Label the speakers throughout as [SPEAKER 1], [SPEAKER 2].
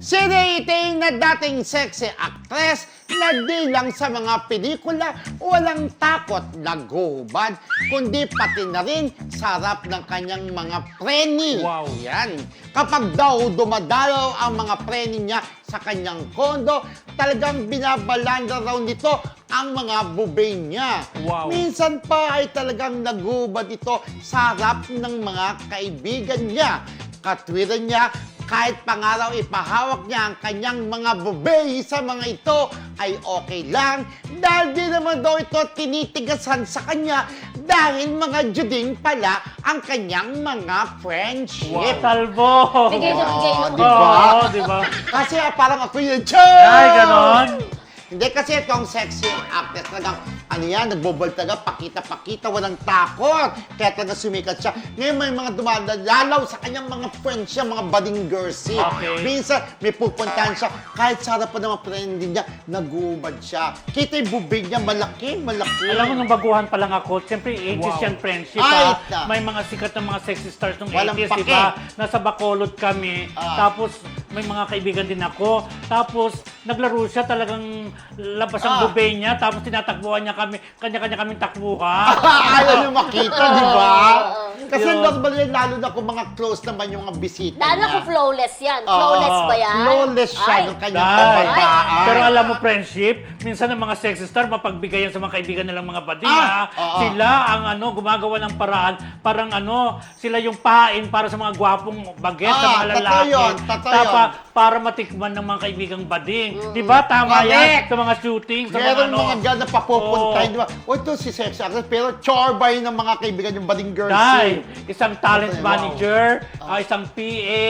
[SPEAKER 1] Si Rayting na dating sexy actress na di lang sa mga pelikula walang takot naguhubad, kundi pati na rin sa harap ng kanyang mga preni.
[SPEAKER 2] Wow.
[SPEAKER 1] Yan. Kapag daw dumadalaw ang mga preni niya sa kanyang kondo, talagang binabalanda raw nito ang mga bubay niya.
[SPEAKER 2] Wow.
[SPEAKER 1] Minsan pa ay talagang naguhubad ito sa harap ng mga kaibigan niya. Katwiran niya, kahit pangaraw ipahawak niya ang kanyang mga bubay sa mga ito ay okay lang dahil di naman daw ito tinitigasan sa kanya dahil mga juding pala ang kanyang mga friendship.
[SPEAKER 2] Wow. Talbo!
[SPEAKER 3] Bigay na bigay
[SPEAKER 1] Oh,
[SPEAKER 3] na.
[SPEAKER 1] di ba?
[SPEAKER 2] Oo, di ba?
[SPEAKER 1] Kasi parang ako yun, Choy!
[SPEAKER 2] Ay, ganon.
[SPEAKER 1] Hindi kasi itong sexy actress talagang ano yan, nagbobol talaga, pakita-pakita, walang takot. Kaya talaga sumikat siya. Ngayon may mga dumadalaw sa kanyang mga friends siya, mga budding girls.
[SPEAKER 2] Okay.
[SPEAKER 1] Minsan may pupuntahan siya, kahit sa harapan ng mga friend niya, nag-uubad siya. Kita yung bubig niya, malaki, malaki.
[SPEAKER 2] Alam mo, nung baguhan pa lang ako, siyempre 80s
[SPEAKER 1] Wow.
[SPEAKER 2] yan friendship,
[SPEAKER 1] Ay,
[SPEAKER 2] ha? May mga sikat na mga sexy stars nung
[SPEAKER 1] Walang
[SPEAKER 2] 80s,
[SPEAKER 1] pake.
[SPEAKER 2] diba? Nasa Bacolod kami, tapos may mga kaibigan din ako, tapos naglaro siya, talagang labas ang bubay niya, tapos tinatakbuhan niya kami, kanya-kanya kaming takbuhan.
[SPEAKER 1] Ayaw niyo makita, di ba? Kasi
[SPEAKER 2] Yun.
[SPEAKER 1] normal yan, lalo na kung mga close naman yung mga bisita
[SPEAKER 3] Lalo
[SPEAKER 1] niya.
[SPEAKER 3] kung flawless yan. Flawless ba yan?
[SPEAKER 1] Flawless siya
[SPEAKER 3] Ay.
[SPEAKER 1] ng kanyang
[SPEAKER 2] Dahil.
[SPEAKER 1] kabataan.
[SPEAKER 2] Pero alam mo, friendship, minsan ang mga sexy star, mapagbigayan sa mga kaibigan nilang mga bading, ha?
[SPEAKER 1] Oo.
[SPEAKER 2] Sila ang gumagawa ng paraan, parang sila yung pain para sa mga gwapong baget, sa mga
[SPEAKER 1] totoo
[SPEAKER 2] lalaki.
[SPEAKER 1] yun, totoo yun.
[SPEAKER 2] Para matikman ng mga kaibigang bading. Di ba? Tama yan
[SPEAKER 1] Correct.
[SPEAKER 2] sa mga shooting, sa
[SPEAKER 1] Meron
[SPEAKER 2] mga
[SPEAKER 1] mga gana papupuntahin, di ba? O ito si sexy actress, pero chorbay ng mga kaibigan yung bading girls.
[SPEAKER 2] Dahil isang talent
[SPEAKER 1] Wow.
[SPEAKER 2] manager, isang PA,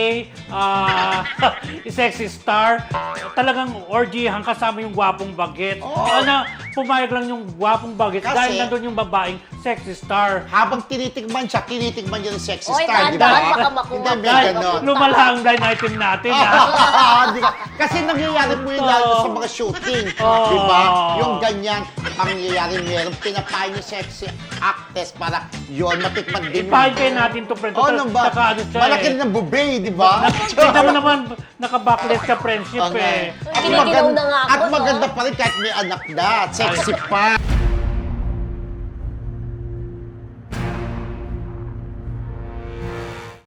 [SPEAKER 2] sexy star, talagang orgyhan kasama yung gwapong baget. Pumayag lang yung gwapong baget
[SPEAKER 1] Kasi-
[SPEAKER 2] dahil nandun yung babaeng sexy star.
[SPEAKER 1] Habang tinitikman siya, tinitikman niya ng sexy
[SPEAKER 3] Oy,
[SPEAKER 1] star, di
[SPEAKER 3] dahan-dahan,
[SPEAKER 1] ba?
[SPEAKER 3] baka makuha
[SPEAKER 1] Hindi, may
[SPEAKER 3] ka.
[SPEAKER 2] Dahil
[SPEAKER 1] ganon.
[SPEAKER 2] lumala ang line item natin, ha?
[SPEAKER 1] Di ka- Kasi nangyayari po yun lalo sa mga shooting. Di ba? Yung ganyan, pangyayari meron. Pinapain yung sexy actress para yun, matikman din yung...
[SPEAKER 2] Ipahin kayo natin to, friend.
[SPEAKER 1] Oh, nang ba?
[SPEAKER 2] Saka ano siya,
[SPEAKER 1] Malaki rin ang bubay, di ba?
[SPEAKER 2] Tignan mo naman, naka-backless sa friendship,
[SPEAKER 1] Okay.
[SPEAKER 2] eh.
[SPEAKER 1] At
[SPEAKER 3] Giniginaw
[SPEAKER 1] maganda,
[SPEAKER 3] na nga ako,
[SPEAKER 1] at
[SPEAKER 3] no?
[SPEAKER 1] maganda pa rin kahit may anak na. Sexy pa.